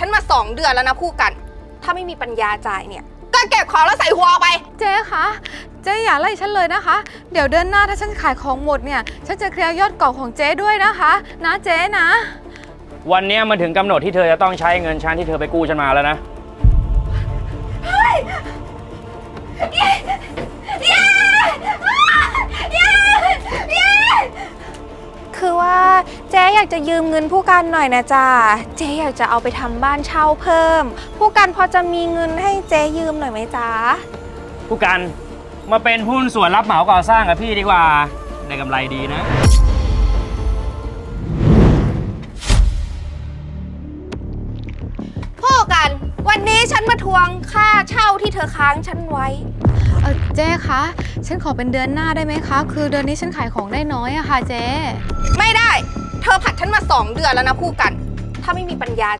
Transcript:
ฉันมา2 เดือนแล้วนะผู้กันถ้าไม่มีปัญญาจ่ายเนี่ยก็เก็บของแล้วใส่หัวไปเจ๊คะเจ๊อย่าไล่ฉันเลยนะคะ เดี๋ยวเดือนหน้าถ้าฉันขายของหมดเนี่ยฉันจะเคลียร์ยอดเก่าของเจ๊ด้วยนะคะนะเจ๊นะวันนี้มันถึงกำหนดที่เธอจะต้องใช้เงินฉันที่เธอไปกู้ฉันมาแล้วนะคือว่าเจ๊อยากจะยืมเงินผู้กันหน่อยนะจ๊ะเจ๊อยากจะเอาไปทำบ้านเช่าเพิ่มผู้กันพอจะมีเงินให้เจ๊ยืมหน่อยไหมจ๊ะผู้กันมาเป็นหุ้นส่วนรับเหมาก่อสร้างกับพี่ดีกว่าได้กำไรดีนะผู้กันวันนี้ฉันมาทวงค่าเช่าที่เธอค้างฉันไว้เจ๊คะฉันขอเป็นเดือนหน้าได้ไหมคะคือเดือนนี้ฉันขายของได้น้อยอะค่ะเจ๊ไม่ได้เธอผัดฉันมา2 เดือนแล้วนะผู้กันถ้าไม่มีปัญญา